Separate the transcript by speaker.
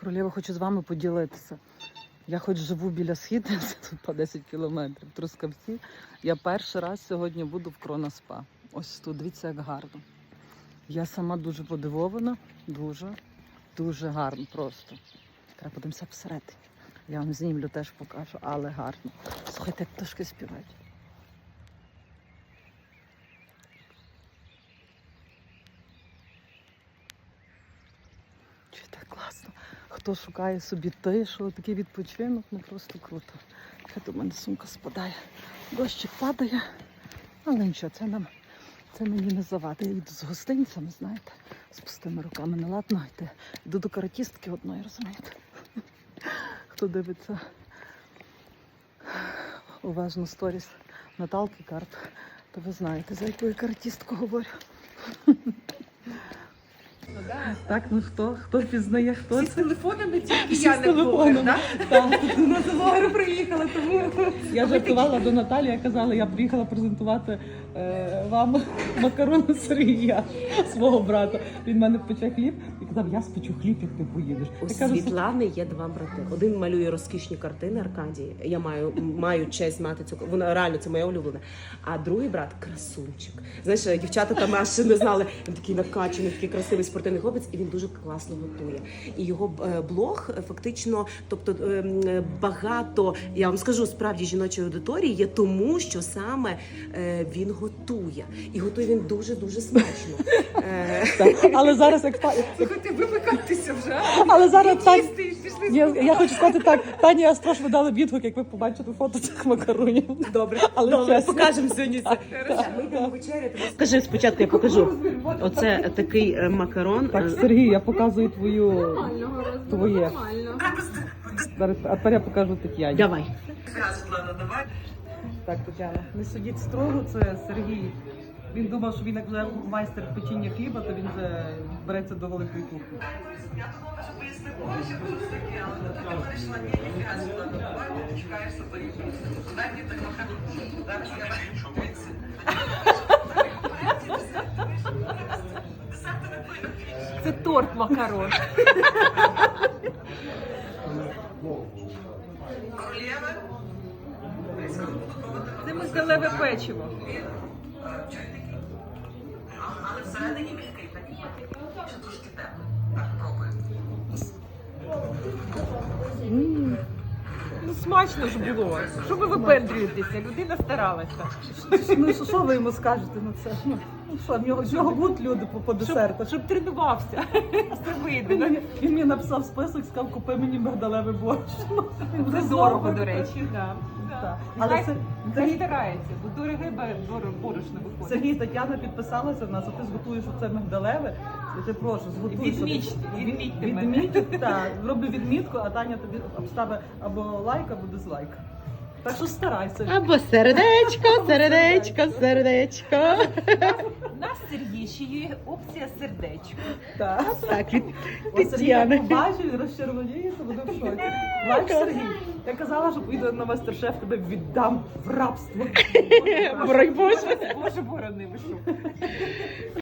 Speaker 1: Королева, хочу з вами поділитися. Я хоч живу біля Східниці, тут по 10 кілометрів, в Трускавці. Я перший раз сьогодні буду в Кроноспа. Ось тут, дивіться, як гарно. Я сама дуже подивована, дуже гарно просто. Треба подивимося всередині. Я вам знімлю, теж покажу, але гарно. Слухайте, як пташки співають. Чуєте, класно. Хто шукає собі тишу, такий відпочинок, ну просто круто. Ще до мене сумка спадає. Дощик падає, але нічого, це мені не завадить. Я йду з гостинцями, знаєте, з пустими руками не ладно йти. Йду до каратістки одної, розумієте. Хто дивиться уважно сторіс Наталки Карп, то ви знаєте, за яку я каратістку говорю. Так, ну хто пізнає, хто
Speaker 2: Всі з телефонами, тільки
Speaker 1: Всі
Speaker 2: я
Speaker 1: з
Speaker 2: не блогер,
Speaker 1: телефоном.
Speaker 2: так? На блогеру приїхала, тому...
Speaker 1: Я жартувала до Наталі, я казала, я приїхала презентувати вам макарони Сергія, свого брата. Він в мене пече хліб і казав, я спечу хліб, як ти поїдеш.
Speaker 2: У
Speaker 1: Я кажу,
Speaker 2: Світлани є два брати. Один малює розкішні картини Аркадій. Я маю честь мати цю, вона реально це моя улюблена. А другий брат красунчик. Знаєш, дівчата там аж не знали. Він такий накачаний, такий красивий спортивний хлопець, і він дуже класно готує. І його блог фактично, тобто багато, я вам скажу, справді жіночої аудиторії є тому, що саме він готує. І готує він дуже смачно.
Speaker 1: так. Але зараз як
Speaker 3: Слухайте, вимикайтеся вже.
Speaker 1: але зараз так.
Speaker 3: Пішли.
Speaker 1: Я хочу сказати так, Тані Астрош ви дали відгук, як ви побачите фото цих макаронів.
Speaker 2: Добре,
Speaker 1: Але
Speaker 2: добре,
Speaker 1: чесно.
Speaker 2: покажемо сьогодні це. Ми йдемо вечеряти. Скажи спочатку, я покажу. Оце такий макарон.
Speaker 1: Так, Сергій, я показую твоє. Зараз, а тепер я покажу Тетяні.
Speaker 2: Давай.
Speaker 1: Так, Тетяна, не судіть строго, це Сергій. Він думав, що він як вже майстер печіння хліба, то він вже береться до великої кухні.
Speaker 4: Я думала, що поясни Боже, що це таке, але ти вирішила, ні, ніфіга сюди, давай, ти чекаєш сапарів. Дай мені так макарон. Зараз я дивіться.
Speaker 3: Це торт макарон.
Speaker 4: Королєва.
Speaker 3: Це мигдалеве печиво.
Speaker 4: Але всередині м'який, так і ще трошки теплий. Так, пробуємо.
Speaker 3: Ну смачно ж було. Що ви випендрюєтеся? Людина старалася.
Speaker 1: Ну що ви йому скажете на це? Ну що, в нього будуть люди по десерту.
Speaker 3: Щоб тренувався. Це вийде.
Speaker 1: Він мені написав список, сказав, купи мені мигдалевий борщ.
Speaker 3: Це дорого, до речі.
Speaker 1: Так.
Speaker 3: Але
Speaker 1: Але
Speaker 3: це старається, бо дороге борошно виходить.
Speaker 1: Сергій, Тетяна підписалася в нас, а ти зготуєш оце мигдалеве. Я тебе прошу, зготуй.
Speaker 3: Відмітьте мене.
Speaker 1: Відміть, так. Роби відмітку, а Таня тобі обставить або лайк, або дизлайк. Так що старайся.
Speaker 2: Або сердечко.
Speaker 3: У нас Сергій ще є опція сердечко.
Speaker 1: Так.
Speaker 2: Так, від
Speaker 1: Ось Сергій як
Speaker 2: Тетяни.
Speaker 1: побачив, він розчервоніється, буде в шоці. Бач, Сергій, я казала, що поїду на мастер-шеф, тебе віддам в рабство.
Speaker 2: Борони Боже.
Speaker 3: Боже, борони, ви що?